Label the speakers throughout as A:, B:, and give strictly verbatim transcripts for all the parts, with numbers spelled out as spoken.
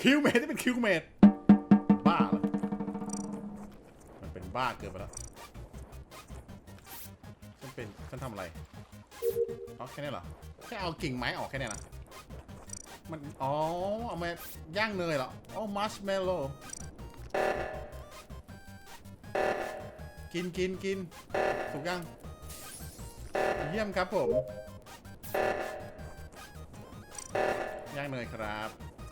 A: คิวเมดที่เป็นคิวเมดบ้าเหรอมันเป็นบ้าเกินไปแล้วฉันเป็นฉันทำอะไรเอาแค่นี้เหรอแค่เอากิ่งไม้ออกแค่นี้นะมันอ๋อเอามาย่างเนยเหรออ๋อมัชเมลโล่กินกินกินถูกยังเยี่ยมครับผมย่างเนยครับ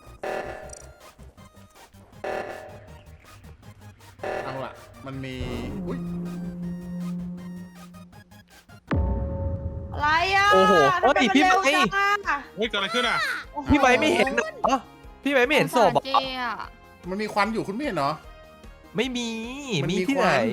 A: เอาล่ะมันมีอุ้ย
B: อะไรอ่ะ
C: โอ้โห
B: ทำไม
C: เฮ้ย
B: มัน
C: พี่
B: เร็ว
C: ไม้
B: จังอะ
D: เฮ้ยเกิดอะไรขึ้นอ่ะ
C: พี่ไม้ไม่เห็นเหรอพี่ไม้ไม่เห็นศพเหร
E: เจ
C: อ
E: อ่ะ
A: มันมีควันอยู่คุณไม่เห็นเหรอ
C: ไม่มี
A: มันมี
C: มีที่ไหน
A: ควัน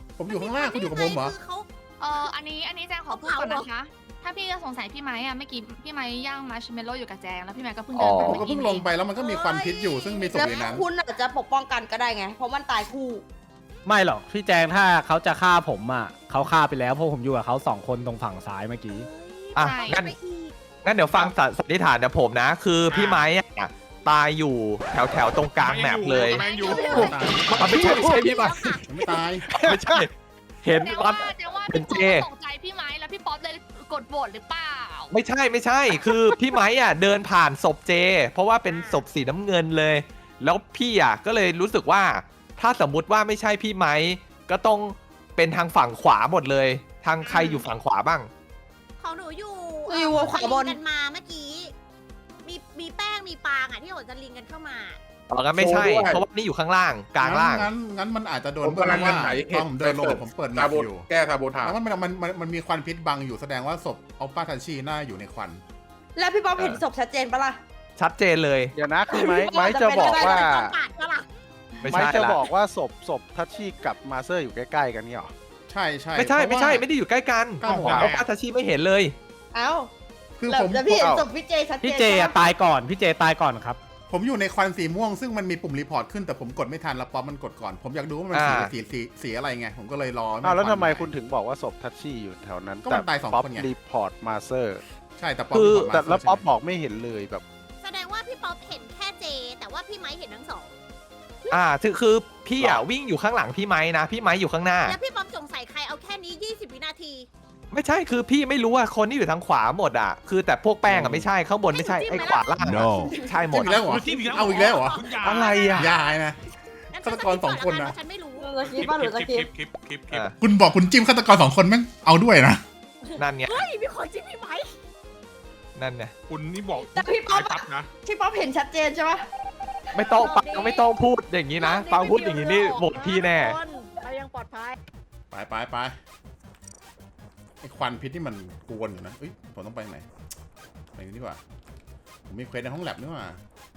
A: ผมอยู่ข้างล่างคุณอยู่กับผมเหรอ
F: คือเขา
E: เอออันนี้อันนี้แจงขอพูดก่อนนะคะ ถ้าพี่จะสงสัยพี่ไม้อะเมื่อกี้พี่ไม้ย่างมาร์ชเมลโล่อยู่กับแจงแล้วพี่ไม้ก็เพิ่งเดิน
A: ผม
E: ไป
A: ก็
E: เมื่อกี้
A: เพิ่งลงไปแล้วมันก็มีควันพิษอยู่ซึ่งมีศพ
B: แล้ว
A: อยู่ในนั้น
B: คุณอาจจะปกป้องกันก็ได้ไง เพราะมันตายคู่
G: ไม่หรอกพี่แจงถ้าเขาจะฆ่าผมอ่ะเขาฆ่าไปแล้วเพราะผมอยู่กับเขาสองคนตรงฝั่งซ้ายเมื่อกี้
C: อ่ะ
E: ใช่
C: งั้นงั้นเดี๋ยวฟังสันนิษฐานเดี๋ยวผมนะ คือพี่ไม้อะตายอยู่แถวแถวๆตรงกลางแมปเลย
D: แมงอยู่
A: ตาย
C: มันไม่ใช่ไม่ใช่พี่ไม้
A: มันไม่ตาย
C: ไม่ใช่ เห็น
E: แจง
C: ตอ
E: ว่าน แจงว่า
C: เป็
E: พี่
C: น
E: ป๊อ
C: เจ
E: ปตกใจพี่ไม้แล้วพี่ป๊อปเลยกดโหวตหรือเปล่า
C: ไม่ใช่ไม่ใช่ คือพี่ไม้อ่ะเดินผ่านศพเจ เพราะว่าเป็นศพสีน้ำเงินเลย แล้วพี่อ่ะก็เลยรู้สึกว่า ถ้าสมมุติว่าไม่ใช่พี่ไม้ก็ต้องเป็นทางฝั่งขวาหมดเลย ทางใครอยู่ฝั่งขวาบ้าง
F: ของหนูอยู่
B: อยู่ขวาบน
F: กันมาเมื่อกี้ มีมีแป้งมีปางอ่ะที่โหนจะลิงกันเข้ามา
C: อ๋องั้นไม่ใช่ เพราะว่านี่อยู่ข้างล่างกลางล่าง
A: งั้นงั้นมันอาจจะโดน
H: ผมกำลัง
A: ว่า
H: จะไหน
A: ตอนผมเดินลงผมเปิดแม
H: ซา
A: ป
H: โบ
A: อยู่
H: แก้ซาโบทา
A: แล้วมันมันมันมันมีควันพิษบังอยู่แสดงว่าศพอัลปาทันชีน่าอยู่ในควัน
B: แล้วพี่ป๊อปเห็นศพชัดเจนปะล่ะ
C: ชัดเจนเลย
I: เดี๋ยวนะคือไม้
B: พี่
I: ไม้
B: ว่า
I: จะ
B: จะเป็น
I: บอก
B: ไปได้
I: ว่า
F: ต้องปาดก็ล่ะ
C: ไม่
I: ไม้
C: ใช่
I: จะ
C: ละ
I: บอกว่าศพศพทัชชี่กับมาเซอร์อยู่ใกล้ๆกันนี่หรอ
A: ใช่ใช่
C: ไม่ใช่
A: เพราะ
C: ไม่ใช่
A: ว่า
C: ไม่ได้อยู่ใกล้กัน
A: ก้าวหัว
C: เอาอาทาชิไม่เห็นเลย
B: เอ้า
A: คือ
B: แล้ว
A: ผม
B: แล้วพี่เห็น
I: เอา
B: ศพพี่เจชัดเจน
G: พี่เจอะ
B: ปะ
G: ตายก่อนพี่เจตายก่อนครับ
A: ผมอยู่ในควันสีม่วงซึ่งมันมีปุ่มรีพอร์ตขึ้นแต่ผมกดไม่ทันแล้วป๊อปมันกดก่อน ผมอยากดูว่ามันสี
C: อ่า
A: สีสีสีอะไรไงผมก็เลยรอ
I: อ้าวแล้วทำไม
A: ควัน
I: คุณถึงบอกว่าศพทัชชี่อยู่แถวนั้น
A: ก็มันตายสอง
I: ป๊อป
A: คนไง
I: รีพอร์ตมาเซอร์
A: ใช่แต่ป๊อป
C: คือ
A: รีพร์ตมา
I: แต่แล้ว
A: ใช่
I: ป๊อป
A: ไหม
I: บอกไม่เห็นเลยแบบ
F: แสดงว่าพี่ป๊อปเห็นแค่เจ แต่ว่าพี่ไม้เห็นทั้งสอง
C: อ่าคือคือพี่อ่ะวิ่งอยู่ข้างหลังพี่ไม้นะ พี่ไม้อยู่ข้างหน้า
F: แล้วพี่ป๊อปสงสัยใครเอาแค่นี้ ยี่สิบ วินาที
C: ไม่ใช่คือพี่ไม่รู้ว่าคนที่อยู่ทางขวาหมดอ่ะ คือแต่พวกแป้งอ่ะไม่ใช่ข้างบนไม่ใช่ไอ้ขวาล่างอะใช่หม
A: จิ้
C: ด
A: มอีกแล้วเหรอ
D: จิ้มอีกแล้ว
A: เอาอีกแล้วเหรอ
D: คุณยาย
I: อะไรอ่ะ
A: ยายนะ
F: งั้น
A: ฆาตกรสองคนนะ
F: ฉันไม่รู้
B: หรือจะคิดว่าหรือจะ
D: ค
B: คิ
D: ลิ
B: ด
D: ปคลิปคลิปคลิป
C: อ่ะ
A: คุณบอกคุณจิ้มฆาตกรสองคนแม่งเอาด้วยนะ
C: นั่นไง
F: เฮ้ย มีคนจิ้มพี่ไม้
C: นั่นไง
D: คุณนี่บอก
B: แต่พี่ป๊อป
D: ปั๊บนะ
B: พี่ป๊อปเห็นชัดเจนใช่ปะ
C: ไม่ต้องปังไม่ต้องพูดอย่างนี้นะฟังพูดอย่างนี้นี่โหวตพี่แน่
F: เรายังปลอดภัย
A: ไปไปไปไอ้ควันพิษที่มันกวนอยู่นะเอ้ยผมต้องไปไหนไปนี่ดีกว่าผมมีเควสในห้องแลบนี่หว่า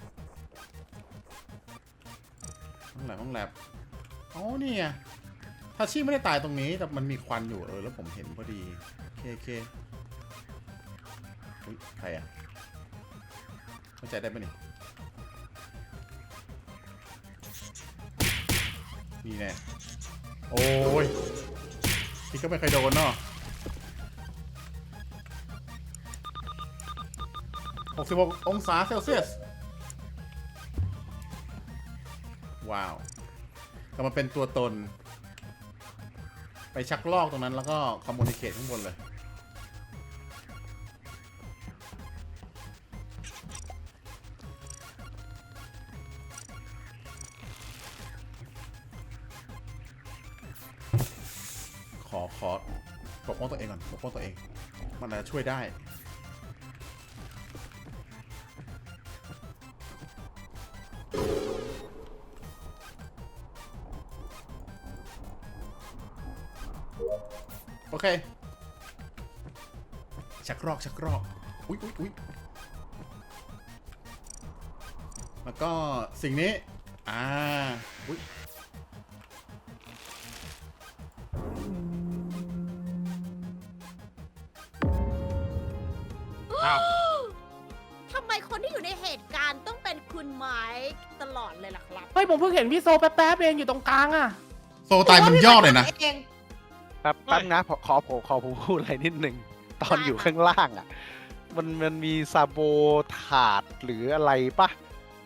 A: ห้องแลบห้องแลบอ๋อนี่ไงทาชิไม่ได้ตายตรงนี้แต่มันมีควันอยู่เออแล้วผมเห็นพอดีโอเคโอเคอุ๊ยใครอะเข้าใจได้ปะนี่นี่แน่โอ้ยพี่ก็ไม่เคยโดนเนาะหกสิบหกองศาเซลเซียสว้าวกลับมาเป็นตัวตน ไปชักลอกตรงนั้นแล้วก็คอมมูนิเคทข้างบนเลย ขอ ขอปกป้องตัวเองก่อนปกป้องตัวเอง มันอาจจะช่วยได้ โอเค ชักรอก ชักรอก อุ๊ยอุ๊ยอุ๊ยแล้วก็สิ่งนี้ อ่า อุ๊ย
D: อ้าว
F: ทำไมคนที่อยู่ในเหตุการณ์ต้องเป็นคุณไม้ตลอดเลยล่ะครับ
G: เฮ้ยผมเพิ่งเห็นพี่โซแป๊บๆเองอยู่ตรงกลางอ่ะ
A: โซตายมันยอดเลยนะ
B: เอง
I: แป๊บแป๊บนะขอขอผมขอผมพูดอะไรนิดหนึ่งตอนอยู่ข้างล่างอ่ะ มันมันมีซาโบถาดหรืออะไรปะที่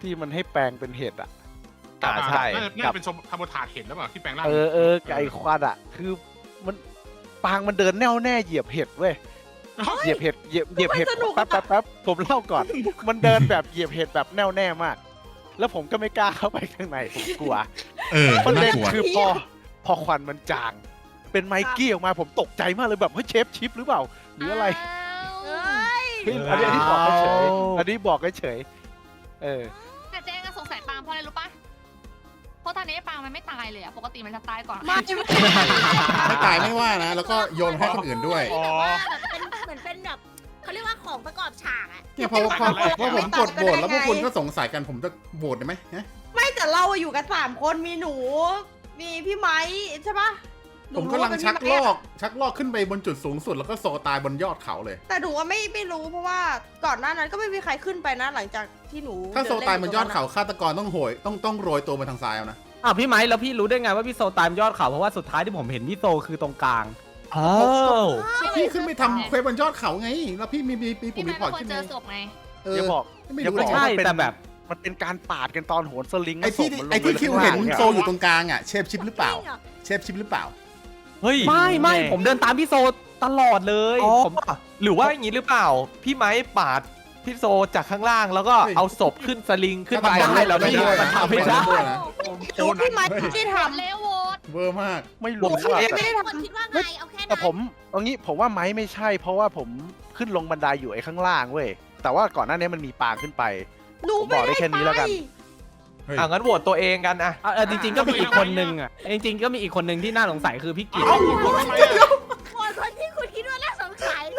I: ที่มันให้แปลงเป็นเห็ดอ่ะ
C: อ่าใช่
D: น่าจะน่าจะเป็นทำบนถาดเห็นแล้วเปล่าที่แปลงร่าง
I: เออเออไก่ควันอ่ะ คือมันปางมันเดินแน่วแน่เหยียบเห็ดเว้ยเหยียบเห็ดเหยียบเหยียบเห็ดแป๊บแป๊บแป๊บผมเล่าก่อน มันเดินแบบเหยียบเห็ดแบบแน่วแน่มาก แล้วผมก็ไม่กล้าเข้าไปข้างในผมกลัว
A: เออ
I: ประ
A: น่า
I: เด็น
A: กลัว
I: คือพอพอควันมันจาง เป็นไมกี้ออกมาผมตกใจมากเลยแบบเฮ้ยเชฟชิปหรือเปล่าหรืออะไร
F: เอ้ย
I: เฮ้ยอันนี้อันนี้บอกเฉยๆอันนี้บอกเฉยๆเออ
E: แต่เจ๊ก็สงสัยปางเพราะอะไรรู้ปะเพราะตอนนี้ปางมันไม่ตายเลยอะปกติมันจะตายก่อน
B: ไม่ไม่
A: ไม่ตายไม่ว่านะ แล้วก็โยนให้คนอื่นด้วย
F: แบบว่าแบบเป็นเหมือนเป็นแบบเขาเรียกว่าของประกอบฉากอะ
A: เนี่ยพอพอพอพอผมกดโหวตแล้วพวกคุณก็สงสัยกันผมจะโหวตได้ไหมฮะ
B: ไม่แต่เราอะอยู่กันสามคนมีหนู มีพี่ไม้ใช่ปะหนู
A: ผม
B: รู้
A: กำลัง
B: ว่าเป็น
A: ชัก
B: พี่
A: ล
B: ไม้
A: อ
B: อะ
A: ก ชักลอกขึ้นไปบนจุดสูงสุดแล้วก็โซตายบนยอดเขาเลย
B: แต่หนูว่าไม่ไม่รู้เพราะว่าก่อนหน้านั้นก็ไม่มีใครขึ้นไปนะ หลังจากที่หนู
A: ถ้าโซ
B: เล่
A: ตายบนยอด
B: ตรง
A: เขาฆาตกรต้องโหยต้องต้องโรยตัวไปทางซ้ายเอานะ
G: อ้าวพี่ไม้แล้วพี่รู้ได้ไงว่าพี่โซตามยอดเขาเพราะว่าสุดท้ายที่ผมเห็นพี่โซคือตรงกลาง
C: อ้าว
A: พี่ขึ้นไปทำเควสบนยอดเขาไง แล้วพี่มีมีมีปุ่
E: พี่
A: ม
E: ไม้
A: รีพ
E: เป็
A: อร์ต
E: นคน
A: ขึ้น
E: เจ
A: ไง
E: อศพไง
A: เอ
I: อย่า
A: อ
I: บอก
A: ไม่
I: อย่า
A: รู้
I: บ
A: หร
I: อก
A: อก
G: ใช่
I: ว่าเป็น
G: แต่แบบ
I: มันเป็นการปาดกันตอนโหนสลิง
A: ไอ้ที่
I: แล้วศพมันลง
A: ไอ้ที่
I: ป
A: คิว
I: ข้าง
A: เห็น
I: ล่าง
A: โซอยู่ตรงกลางอ่ะเชฟชิปหรือเปล่า
F: จริงหรอ
A: เชฟชิปหรือเปล่า
C: เฮ้ย
G: ไม่ไม่ผมเดินตามพี่โซตลอดเลย
C: อ๋อ
G: ผม
C: หรือว่าอย่างนี้หรือเปล่า พี่ไม้ปาดพี่โซจากข้างล่างแล้วก็
A: เฮ้ย
C: เอาศพขึ้นสลิงขึ้นไป
A: ฆาตกร
C: ได้แล้ว
A: ไม่
C: พี่
A: ได้
C: มันทำไม่ได้
A: ไม่ได้
B: หนูพี่ไม้ที่ท
E: เลวโหวต
A: เวอร์มาก
I: ไม่
B: ำหนู
I: รู้
B: พี่
I: ว่า
B: ไม้ไม่ได้
F: ค
B: ท
F: นคิดว่าไงเอาแค่นั้น
I: แต่ผมเอางี้ผมว่าไม้ไม่ใช่ เพราะว่าผมขึ้นลงบันไดอยู่ไอ้ข้างล่างเว้ยแต่ว่าก่อนหน้านี้มันมีปางขึ้นไป
B: ำหนู
I: ผมบอกได้
B: ไม่
I: แค่นี้แล้วกัน
A: เฮ้ย
C: อ่ะงั้นโหวตตัวเองกันอะ
G: อ่ะเออจริงๆก็มีอีกคนนึงอ่ะจริงๆก็มีอีกคนนึงที่น่าสงสัยคือพี่กิต
D: เอ้าคุณทำไมอะ
F: คนคนที่คุณคิดว่าน่าสงสัยนะ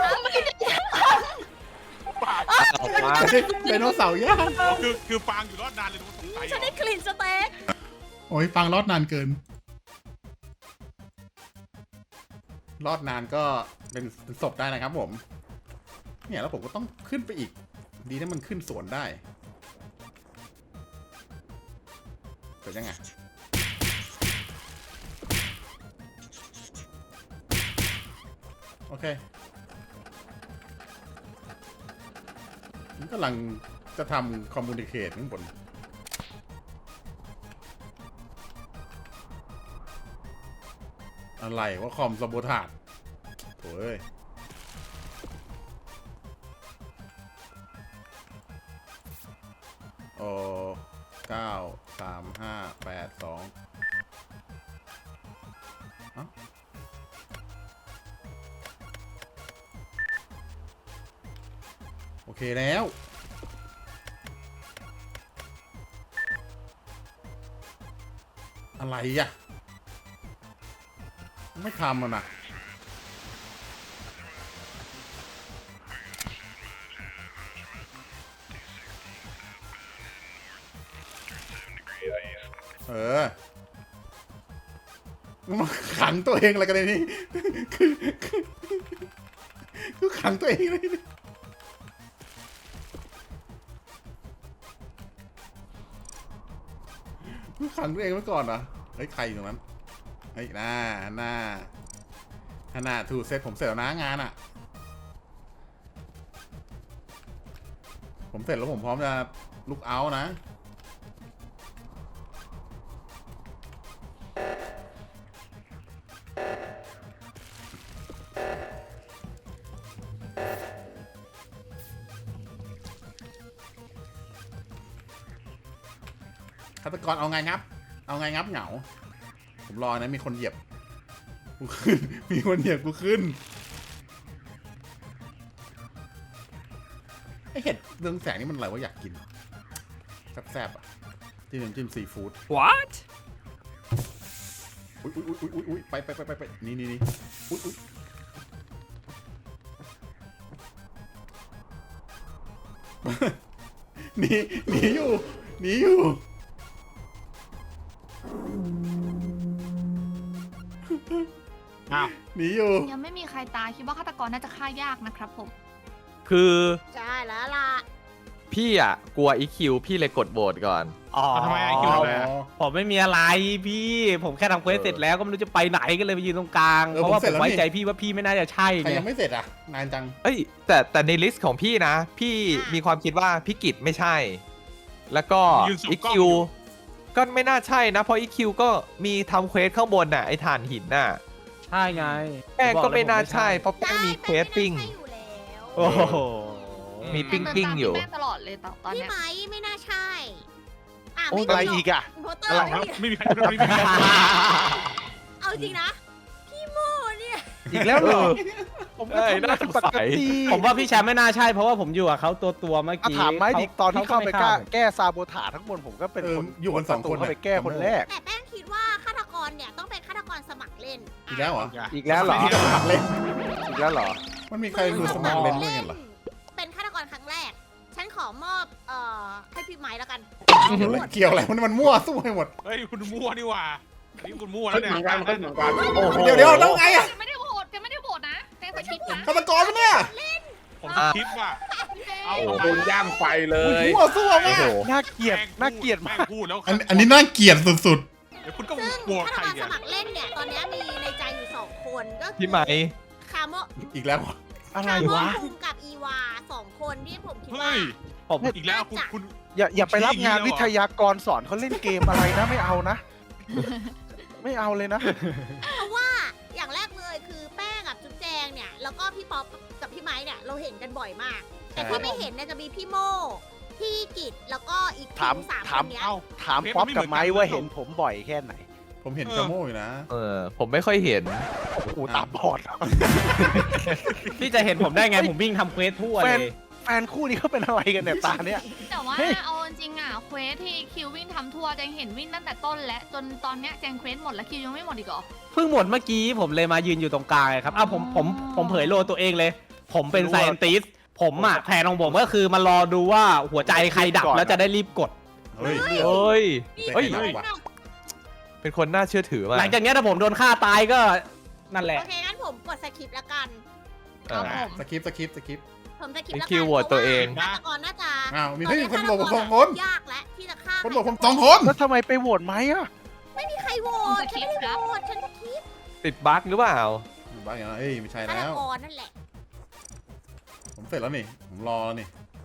C: ออกมา
A: ไดโนเสาร์ย่าง
D: คือคือฟางอยู่รอดนานเลยทุกคนสงสัยเหร
F: ฉัน
D: อ
F: ได้กลิ่นสเต็ก
A: โอ้ยฟังรอดนานเกิน รอดนานก็เป็นเป็นศพได้นะครับผม เนี่ยแล้วผมก็ต้องขึ้นไปอีก ดีถ้ามันขึ้นสวนได้เป็นยังไง โอเคผมกำลังจะทำคอมมูนิเคชข้างบน อะไรว่าคอมสมบูทาดโถ่เอ้ยโอ้เก้าสามห้าแปดสองโอเคแล้ว อะไรอ่ะ ไม่ทำมันนะเออมาขังตัวเองอะไรกันในนี้คือคือคือขังตัวเองเลยนี่คือขังตัวเองไว้ก่อนเหรอเฮ้ยใครอยู่ตรงนั้นเฮ้ยหน้าหน้าหน้าถูกเซตผมเสร็จแล้วนะงานอ่ะ ผมเสร็จแล้วผมพร้อมจะลุกเอาท์นะ ฆาตกรเอาไงงับ เอาไงงับเหงา ผมรอนะมีคนเหยียบกูขึ้น มีคนเหยียบกูขึ้นไอเห็ดเรืองแสงนี่มันอะไรวะอยากกินแซ่บๆอ่ะจิ้มน้ำจิ้มซีฟู้ด
G: what
A: อุ้ยอุ้ยอุ้ยอุ้ยอุ้ยไปไปไปไปไปนี่นี่นี่อุ้ยอุ้ยหนีหนีอยู่หนีอยู่
D: อ้าว
A: หนีอยู่
E: ยังไม่มีใครตายคิดว่าฆาตกรน่าจะฆ่ายากนะครับผม
C: คือ
F: ใช่แล้วล่ะ
C: พี่อ่ะกลัวอีคิวพี่เลยกดโหวตก่อน
G: อ๋อ
D: ทำไมไอ้คิวทำไมอะ
G: ผมไม่มีอะไรพี่ ผมแค่ทำเควสเสร็จแล้วก็ไม่รู้จะไปไหนก็เลยไปยืนตรงกลาง
A: เออ
G: เพราะว่า
A: ผมเสร็
G: ผ
A: จ
G: ม
A: แล้ว
G: ไว้
A: นี่
G: ใจพี่ว่าพี่ไม่น่าจะใช่
A: ใคร
G: ไง
A: ยังไม่เสร็จอ่ะ นานจัง
C: เอ้ยแต่แต่ในลิสต์ของพี่นะ พี่มีความคิดว่าพี่กิตไม่ใช่แล้วก็
D: ยืนส่อง
C: อี
D: กล้อง
C: คิ
D: อยู่
C: วก็ไม่น่าใช่นะ เพราะอีคิวก็มีทำเควสข้างบนน่ะไอ้ถ่านหินน่ะ
G: ใช่ไง
C: แป้งก็ไม่น่าใช่
G: ผม
C: เพราะแป้งมีเควสปิ้ง
F: ใช่อยู่แล้ว
G: โอ้โห
C: มี
E: แจ
C: ปิ้
E: ง
C: ง
E: เดิน
C: ปิ้ง
E: ตาม
C: อยู่
E: พี่แป้งตลอดเลยตอน
F: พี่
E: เนี้ย
F: ไม้ไม่น่าใช่อ่ะ
I: โอ้
F: ไม่
I: อะไร
F: มีหร
I: อีกอะ
F: อินโพสเตอ
D: อะไร
F: ร์
D: ครับ
F: ไม่มี
D: ไม่มีใครไม่มีใคร
F: เอาจริงนะ พี่โมเนี่ย
I: อีกแล้วเหรอ ผมก็
C: เอ้ย
I: ทำงา
C: น่าน สง
I: ป
C: สั
I: ก
C: ย
I: ติ
G: ผมว่าพี่แชมป์ไม่น่าใช่ เพราะว่าผมอยู่กับเขาตัวตัวๆเมื่อ
I: อ่ะ
G: กี้
I: ถามไม้ดิตอนที่เข้าไป
G: ม่
I: แก้
G: ผม
I: แก้ซาโบถาทั้งหมดผมก็เป็น
A: เออ
I: คน
A: อยู่กันสองคน
I: เข้าไปแก้คนแรก
F: แต่แป้งคิดว่าฆาตกรเนี่ยต้องเป็นฆาตกรสมัครเล่น
A: อีกแล้วเหรอ
I: อีกแล้วเหรอ
A: ที่จะสมัครเล่น
I: อีกแล้วเหรอ
A: มันมีใครมือสมัครเล่นด้วยกันเหรอ
F: เป็นฆาตกรครั้งแรก ฉันขอมอบเอ่อให้พี่ไม้แล้วกัน
A: เกี่ยวอะไรเกี่ยวอะไรมันมันมั่วสู้ให้หมด
D: เฮ้ยคุณมั่วนี่หว่านี่คุณมั่ว
H: เฮ้
D: แล้
H: ยว
D: เนี่ย
H: เหมือนกันเฮ้ยเหมือนกัน
I: โอ้โห
A: เดี๋ยวเดี๋ยวแล้วไงอะ
E: แจงไม่ได้โหวตแจงไม่ได้โหวตนะแจงสคริปต์นะ
A: ฆาตกรปะเนี่ย
D: ผมสคริปต์ว่ะ
E: พี่แจง
D: เอา
H: โอ้โหโดนย่างไฟเลย
A: มั่วสู้
C: โอ้
A: มาก
C: โห
I: น่าเกลียด
D: แป้ง
I: น่าเกลียด
D: แป้
I: มาง ก
D: พูดแล้ว
A: อันอันนี้น่าเกลียดสุด
D: เดี๋ยวคุณก็
F: ซึ่ง
D: บวก
F: ฆา
D: ใค
F: ต
D: ร
F: กร
D: เนี่
F: ส
D: ย
F: มัครเล่นเนี่ยตอนนี้มีในใจอยู่สองคนก็คือ
C: พี่ไหม
F: คาโม
A: ๆ อีกแล้ว
I: อะไร
F: คาโม
I: วะ
F: คุงกับอีวาสองคนที่ผมคิด
D: เฮ้
F: ว่า
D: ย
G: ผม
D: อีกแล้วคุณคุณ
I: อย่าอย่าไปรับงาน
D: ชี้อย่างนี้
I: วิ
D: แล้วเหรอ
I: ทยากรสอนเขาเล่นเกมอะไรนะ ไม่เอานะ ไม่เอาเลยนะ
F: เพราะว่าอย่างแรกเลยคือแป้งกับจุ๊บแจงเนี่ยแล้วก็พี่ป๊อปกับพี่ไม้เนี่ยเราเห็นกันบ่อยมาก แต่ที่ไม่เห็นเนี่ยจะมีพี่โมพี่กิตแล้วก็อีก
I: ถาม
F: ทีมสาม
I: ถาม
F: คนเนี้ย
D: เอ้า
I: ถามป๊อปกับไม้ว่าเห็นผมบ่อยแค่ไหน
A: ผมเห็น
D: เออ
A: กระโม่อยู่นะ
C: เออ ผมไม่ค่อยเห็น
I: โอ้โหตาบอดเหรอ
G: พี่จะเห็นผมได้ไง ผมวิ่งทำเควสทั่ว
I: แฟ
G: เล
I: น
G: ย
I: แฟนคู่นี้เขาเป็นอะไรกันเนี่ยตาเนี่ย
E: แต่ว่า
I: เฮ้ย
E: เอาจริงๆอ่ะเควสที่คิววิ่งทำทัวร์แจงเห็นวิ่งตั้งแต่ต้นและจนตอนเนี้ยแจงเควสหมดแล้วคิวยังไม่หมดอีกเหรอ
G: เพิ่งหมดเมื่อกี้ผมเลยมายืนอยู่ตรงกลางไงครับอ้าวผมผมผมเผยโลตัวเองเลย ผมเป็นไซเอนติสผมอ่ะแผนของผมก็คือมารอดูว่าหัวใจใครดับแล้วจะได้รีบกด
A: เฮ้ย
C: เฮ้ย เฮ้ย
A: เฮ้ย
C: เป็นคนน่าเชื่อถือมาก
G: หลังจากเนี้ยถ้าผมโดนฆ่าตายก็นั่นแหละ
F: โอเคงั้นผมกดสคริปต์ละกัน
C: เออ
E: ครับผม
A: สคริปต์สคริปต์สคริปต์
F: ผมสคริปต์ละ
C: คิ
F: กั
C: วโหวตตัวเอง
F: ฆาตกรน่าจะ
A: อ้าวมี
F: ต
A: เฮ้ย
F: นี้
A: คนโหวตผมสองคน
F: ยากและที่จะฆ่า
A: คนบอกผมสองคน
I: แล้วทำไมไปโหวตไหมอ่ะ
F: ไม่มีใครโหวตฉันไม่ได้โหวตฉันสคริปต์
C: ติดบั๊กหรือเปล่า
A: บ้าอย่างนั้นเอ้ยไม่ใช่
F: ฆาต
A: แล้ว
F: กรนั่นแหละ
A: ผมเสร็จแล้วนี่ ผมรอแล้วนี่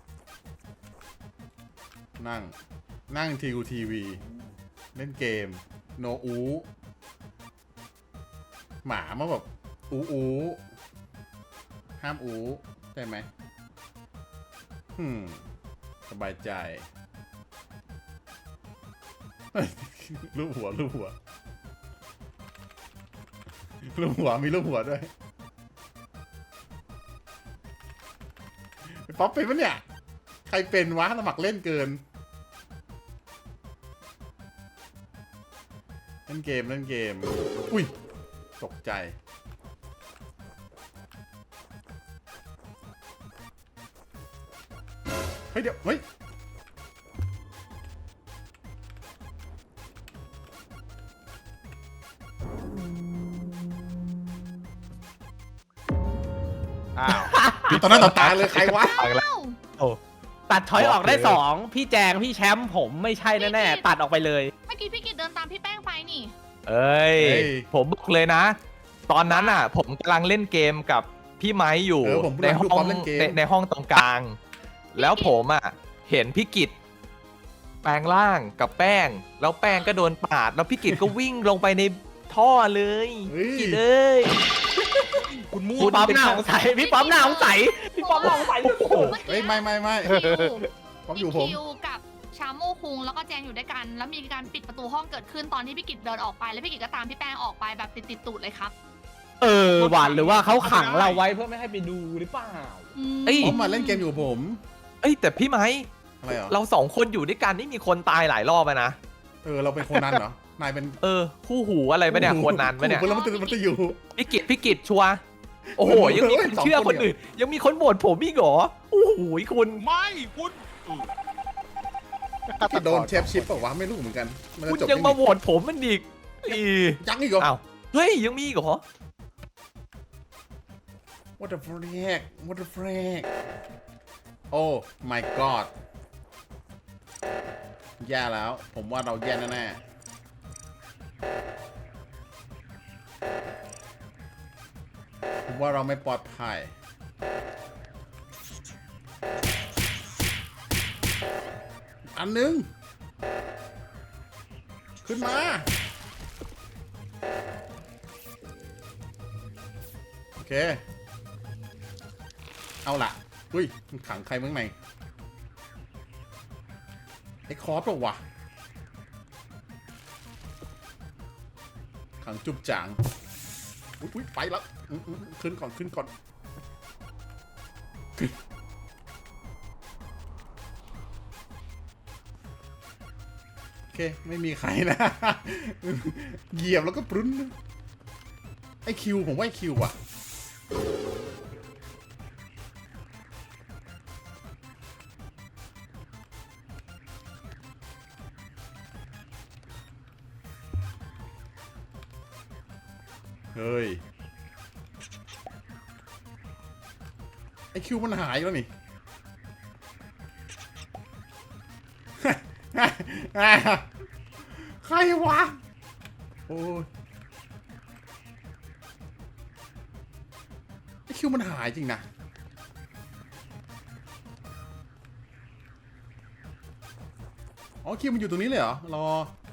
A: นั่ง นั่งทีวีทีวี เล่นเกม โนอู หมามาแบบอูอูห้ามอูใช่ไหมฮึมสบายใจเฮ้ยรูปหัวรูปหัวรูปหัวมีรูปหัวด้วยไอ้ป๊อปเป็นปะเนี่ย ใครเป็นวะสมัครเล่นเกิน เล่นเกมเล่นเกม อุ้ย ตกใจ เฮ้ย เดี๋ยว เฮ้ย
I: อ้าว
A: ตอนนั้นต่อตาเลยใครวะ
C: ฟังแล้ว
E: อ้าว
G: ตัดช้อยออกได้
C: บอกเลย
G: สองพี่แจงพี่แชมป์ผมไม่ใช่แน่ๆตัดออกไปเลย
E: เมื่อกี้พี่กิตเดินตามพี่แป้งไปนี่
C: เอ้ย
A: เฮ้ย
C: ผมบอกเลยนะ ตอนนั้นอ่ะ ผมกำลังเล่นเกมกับพี่ไม้อยู่
A: เออผม
C: ในห้
A: ดู
C: อ
A: พร้อง มเล่นเกม
C: ในในห้องตรงกลาง แล้วผมอ่ะ เห็นพี่กิตแปลงร่างกับแป้ง แล้วแป้งก็โดนปาด แล้วพี่กิตก็วิ่งลงไปในท่อเลย
A: เฮ้ย
C: กิตเอ้ย
D: คุณมั่ว
G: พี่ป๊อปหน้าสงสัยพี่ป๊อปหน้าสงสัยพี่ป๊อปหน้าสงสัย
A: เฮ้ย ไม่ไม่ไม่
E: คิว
A: ผมอยู่ผม
E: คิวกับชาโมคุงแล้วก็แจงอยู่ด้วยกัน แล้วมีการปิดประตูห้องเกิดขึ้นตอนที่พี่กิตเดินออกไป แล้วพี่กิตก็ตามพี่แป้งออกไปแบบติดติดๆตูดเลยครับ
G: เออหวานหรือว่าเขาขังเราไว้เพื่อไม่ให้ไปดูหรือเปล่า
E: อืม
C: เอ้ย
A: ผมมาเล่นเกมอยู่กับผม
C: เอ้ยแต่พี่ไม้
A: อะไรเหรอ
C: เราสองคนอยู่ด้วยกันนี่มีคนตายหลายรอบอะนะ
A: เออ เราเป็นคนนั้นเหรอ นายเป็น
C: เออ คู่หูอะไรปะเนี่ยคนนั้นปะเนี่ย
A: คู่แล้วมันจะมันจะอยู่
C: พี่กิตพี่กิตชัวร์โอ้โห ยังมีคน
A: สองคน
C: เชื่อคนอื่น ยังมีคนโหวตผมอีกเหรอ โอ้โหคุณ
D: ไม่คุณอือ
A: ที่โดนเชฟชิปเปล่าวะไม่รู้เหมือนกัน มันจะ
C: คุณ
A: จบ
C: ยัง
A: ที่
C: มา
A: นี่
C: โหวตผมมันอีกอี
A: ยังอีกเหรอ
C: อ้าวเฮ้ย ยังมีอีกเหรอ
A: What the frick What the frick Oh my god แย่แล้ว ผมว่าเราแย่แน่ๆผมว่าเราไม่ปลอดภัยอันหนึง ขึ้นมา โอเค เอาล่ะอุ้ยมันขังใครเมื่อไงไอ้คอร์สปะวะขังจุบจางอุ๊ยอุ๊ยไปแล้วอื้ออื้อขึ้นก่อนขึ้นก่อนขึ้นโอเคไม่มีใครนะ เหยียบแล้วก็ปรุ้นไอคิวผมว่าไอคิวอ่ะเฮ้ยไอคิวมันหายแล้วนี่ ใครวะโอ้ยไอคิวมันหายจริงนะอ๋อคิวมันอยู่ตรงนี้เลยเหรอรอ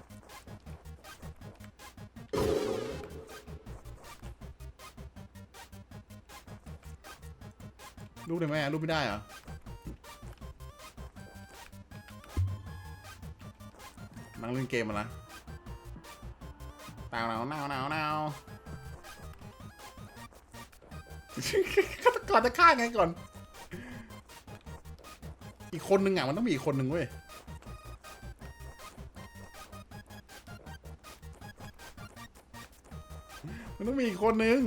A: รูปได้ไหมรูปไม่ได้เหรอนั่งเล่นเกมมาละหนาวหนาวหนาวหนาวหนาวฆาตกรจะฆ่าไงก่อน อีกคนนึงอ่ะมันต้องมีอีกคนนึงเว้ยมันต้องมีอีกคนนึง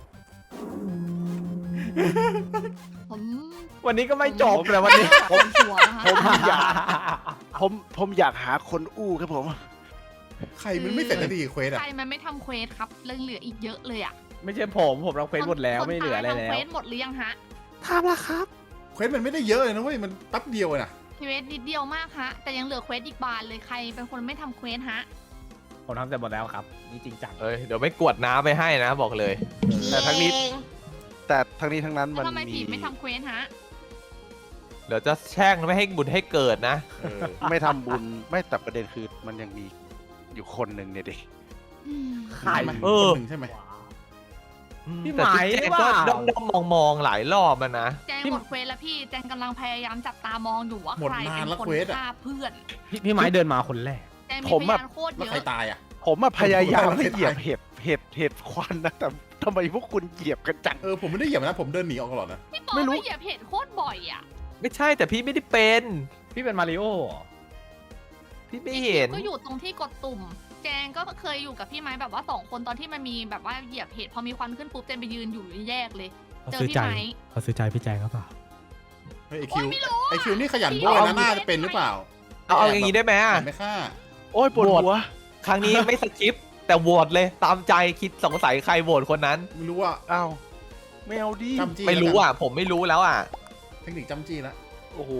E: ผม
G: วันนี้ก็ไม่จบเลยวันนี้
E: ผมชัวร์นะคะ
I: ผมอยากผมผมอยากหาคนอู้ครับผม
A: ใครมันไม่เสร็จสักทีเควสอ่ะ
E: ใครมันไม่ทำเควสครับเรื่องเหลืออีกเยอะเลยอ่ะ
G: ไม่ใช่ผมผมรับเควสหมดแล้ว
E: คน
G: ไม่เหลืออะไร
E: ตาย
G: แล้
E: ทำเคว วสหมดหรือยังฮะ
G: ทำแล้วครับ
A: เควสมันไม่ได้เยอะเลยนะเว้ยมันแป๊บเดียวเลยนะ
E: เควสนิดเดียวมากฮะแต่ยังเหลือเควสอีกบานเลยใครเป็นคนไม่ทำเควสฮะ
G: ผมทำเสร็จหมดแล้วครับนี่จริงจัง
C: เอ้ยเดี๋ยวไม่กวดน้ำไปให้นะบอกเลย
I: แต่ทั้งนี้
F: เอง
I: แต่ทั้งนี้ทั้งนั้น
E: แล้
I: มั
E: วน ทำไม
I: มี
E: ผีไม่ทำเควสฮะ
C: เดี๋ยวจะแช่งไม่ให้บุญให้เกิดนะ
A: เออ
I: ไม่ทำบุญไม่แต่ประเด็นคือมันยังมีอยู่คนหนึ่งเนี่ยดิ
G: ใคร
A: ใช่ไหม
C: เออ
A: คนหนึ่งใช่ไหม
G: พี่
C: แต่
G: ไหม
C: พี่แจง
G: หรือเป
C: ก็
G: ล่า
C: ด้อมด้อมมองมองๆหลายรอบอะนะ
E: แจงหมดเควสแล้วพี่แจงกำลังพยายามจับตามองอยู่ว่า
A: หมด
E: ใคร
A: นาน
E: เป็น
A: แล้ว
E: คน
A: เควสอะ
E: ฆ่าเพื่อน
G: พี่พี่ไม้เดินมาคนแรก
E: แจงมี
I: ผม
E: พ
I: อะ
E: ยานโคตร
A: แล้ว
E: เย
A: ใคร
E: อะ
A: ตายอ่ะ
I: ผมอะพยายาม
A: ผม
I: ไม่
A: ว่า
I: เหยียบเห็ดเห็ดเห็ดควันนะแต่ทำไมพวกคุณเหยียบกันจัง
A: เออผมไม่ได้เหยียบนะผมเดินหนีออกตลอดนะ
E: พี่ปอ
I: ไม่รู้
E: ไม่เหยียบเห็ดโคตรบ่อยอ่ะ
C: ไม่ใช่แต่พี่ไม่ได้เป็น
G: พี่เป็นมาริโอเหรอ
C: พี่ไม่เห็น
E: ก็อยู่ตรงที่กดตุ่ม แจงก็เคยอยู่กับพี่ไม้แบบว่าสองคนตอนที่มันมีแบบว่าเหยียบเห็ดพอมีควันขึ้นปุ๊บแจงไปยืนอยู่แยกเลย
G: เขา
E: เจอ
G: ซื้อ
E: พี่
G: ใจ
E: ไม้
G: เขาซื้อใจพี่แจงครับเปล่า
A: เฮ้ยไอ
E: โอ๊
A: คิ
E: ยว ไม่รู้
A: ไอคิวนี่ขยัน
E: พี่
A: โบ้ย
E: เอา
A: นะน่าจะเป็นหรือเปล่า
C: เอาเอาอย่างนี้ได้ไหมอะ
A: ไม่ฆ่า
I: โอ้ยปวดหัว
C: ครั้งนี้ไม่สกิปแต่โหวตเลยตามใจคิดสงสัยใครโหวตคนนั้น
A: ไม่รู้ว่า
I: อ้าวไม่เอาดิ
A: จำจี้
C: ไม่รู้
A: แล้วกัน
C: อ่ะ ผมไม่รู้แล้วอ่ะ
A: เทคนิคจำจี้แล้ว
I: โอ้โห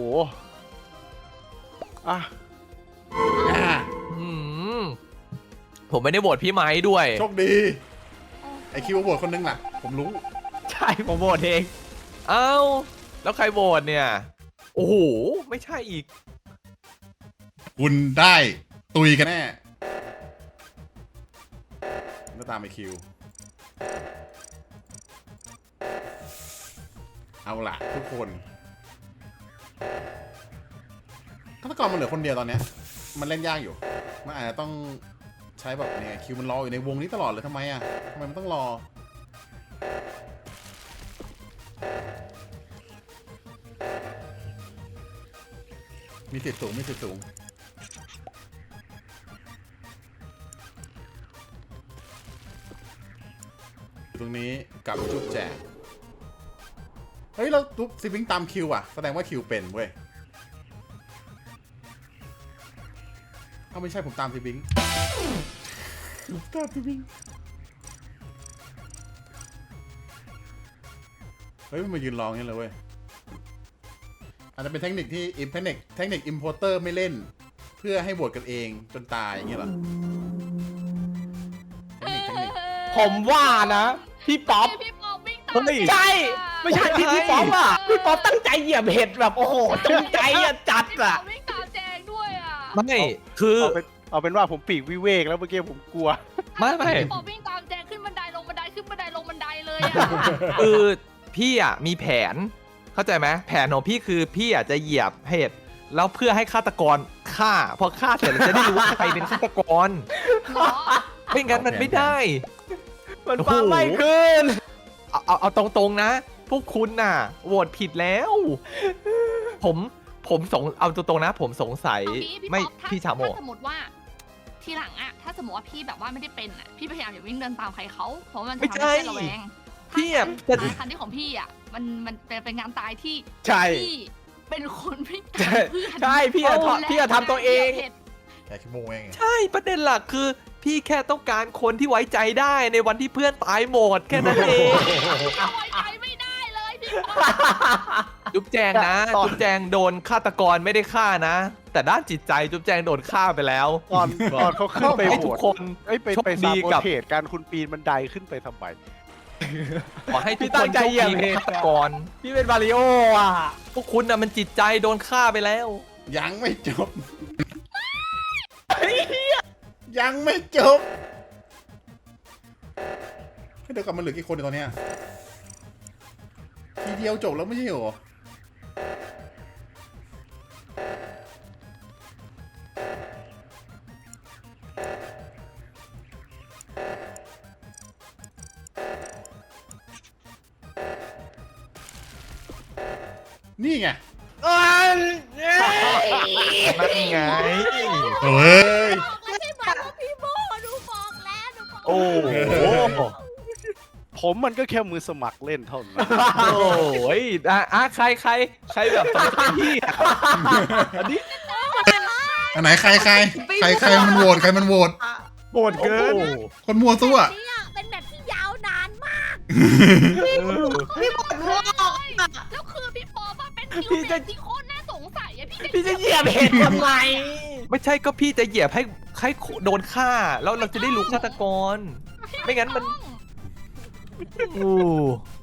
I: อ่ะ
A: อ่า
C: อืมผมไม่ได้โหวตพี่ไม้ด้วย
A: โชคดีไอคิวโหวตคนนึงแหละผมรู้
G: ใช่ผมโหวตเอง
C: เอ้า แล้วใครโหวตเนี่ย โอ้โห ไม่ใช่อีก
A: คุณได้ตุยกันแน่ก็ตามไอคิว เอาล่ะทุกคนฆาตกรมันเหลือคนเดียวตอนเนี้ย มันเล่นยากอยู่ มันอาจจะต้องใช้แบบเนี่ยคิวมันรออยู่ในวงนี้ตลอดเลยทำไมอ่ะทำไมมันต้องรอ มีสิทธิ์สูงมีสิทธิ์สูงอยู่ตรงนี้กับจุ๊บแจกเฮ้ยเราจุ๊บซิบิงตามคิวอ่ะแสดงว่าคิวเป็นเว้ยถ้าไม่ใช่ผมตามซิบิงผมตามซิบิงเฮ้ยมันมายืนรออย่างนี้เลยเว้ยอาจจะเป็นเทคนิคที่เทคนิคเทคนิคอิมโพเตอร์ไม่เล่น เพื่อให้โหวตกันเองจนตายอย่างเงี้ยเหรอเทคนิคเทคนิค
G: ผมว่านะ พี่ป๊อป
E: พี่ป๊อปวิ่งตาม
C: เฮ้ย
G: ใช่ ไม่ใช่พี่พี่ป๊อปอ่ะพี่ป๊อปตั้งใจเหยียบเห็ดแบบโอ้โหจงใจอะจัดอ่ะ
E: พี่ป๊อปวิ่งตามแจงด้วยอ่ะ
C: ไม่คือ
I: เอาเป็นเอาเป็นว่าผมปีกวิเวกแล้วเมื่อกี้ผมกลัว
C: ไม่ไม่
E: พี่ปอวิ่งตามแจงขึ้นบันไดลงบันไดขึ้นบันไดลงบันไดเลยอะ
C: คือพี่อ่ะมีแผนเข้าใจไหมแผนของพี่คือพี่อ่ะจะเหยียบเห็ดแล้วเพื่อให้ฆาตกรฆ่าพอฆ่าเสร็จเราจะได้รู้ว่าใครเป็นฆาตกร
E: เหรอ
C: ไม่งั้นมันไม่ได้
G: มันฟังไม่ขึ้น
C: เอาเอาเอาตรงๆนะ พวกคุณน่ะโหวตผิดแล้ว ผมผมสงเอาตรงๆนะ ผมสงสัย
E: เอางี้พี่
C: ไม่
E: ป๊อปถ้า
C: พี่ชาโม
E: ถ้าสมมติว่า ทีหลังอะถ้าสมมติว่าพี่แบบว่าไม่ได้เป็นอะพี่พยายามอย่าวิ่งเดินตามใครเขาเพราะมันจะทำให้เพื่อนระแวง
C: พี่อะ
E: ถ้า
C: จะ
E: การคันที่ของพี่อะมันมันเป็นเป็นงานตายที่
G: ใช่
E: พี่เป็นคนวิ่ง
G: ใช่
E: ตามเพื่อน
G: ใช่พี่อะทอพี่อะทำตัวเอง
A: แกขี้โมงเอง
C: ใช่ประเด็นหลักคือ พี่แค่ต้องการคนที่ไว้ใจได้ในวันที่เพื่อนตายหมดแค่นั้นเอง
E: เอาไว้ใจไม่ได้เลยพี่ป๊อป
C: จุ๊บแจงนะ
I: ตอน
C: จุ๊บแจงโดนฆาตกรไม่ได้ฆ่านะ แต่ด้านจิตใจจุ๊บแจงโดนฆ่าไปแล้ว
I: ตอนตอนเขาขึ้นไป
C: ให้
I: โห
C: ทุ
I: ว
C: ก
I: ต
C: คน
I: เอ้ยไป
C: โชค
I: ไป
C: ดี
I: ซาโบ
C: กับ
I: เทสการคุณปีนบันไดขึ้นไปทำไม
C: ขอให้ทุก
G: พี่
C: ค
G: ตั้
C: น
G: งใจ
C: โชค
G: เหยียบ
C: ดี
G: เห็ด
C: ฆาตกร
G: พี่เป็นมาริโออ่ะ
C: พวกคุณน่ะมันจิตใจโดนฆ่าไปแล้ว
A: ยังไม่จบ ยังไม่จบเดี๋ยวกลับมาเหลือกี่คนในตอนเนี้ยทีเดียวจบแล้วไม่ใช่เหรอ นี่ไง
C: นั่นไง
A: เฮ้ย
F: บอกแล้วใช่ไหมว่าพี่โมหนูบอกแล้วหนูบอก
I: โอ้โหผมมันก็แค่มือสมัครเล่นเท่านั้น
C: โอ้ยอ่ะอ่ะใครใครใครแบบสงสัยพี่อ่ะอันนี้
A: อันไหนใครใครใครใครมันโหวตใครมันโหวต
G: โหดเกิน
C: โอ้โห
A: คนมัวซั่ว
F: นี่อะเป็นแบบที่ยาวนานมาก
B: พี่บอลรู้ออกอะ
E: แล้วคือพี่ป๊อปอะเป็นคิว
G: พี่จะ
E: เด็กที่โคตรน่าสงสัยอะพี่
G: พี่จะเหยียบเห็ดทำไม
C: ไม่ใช่ก็พี่จะเหยียบให้ให้โดนฆ่า แล้วเราจะได้รู้ฆาตกร ไม่งั้นมัน โอ้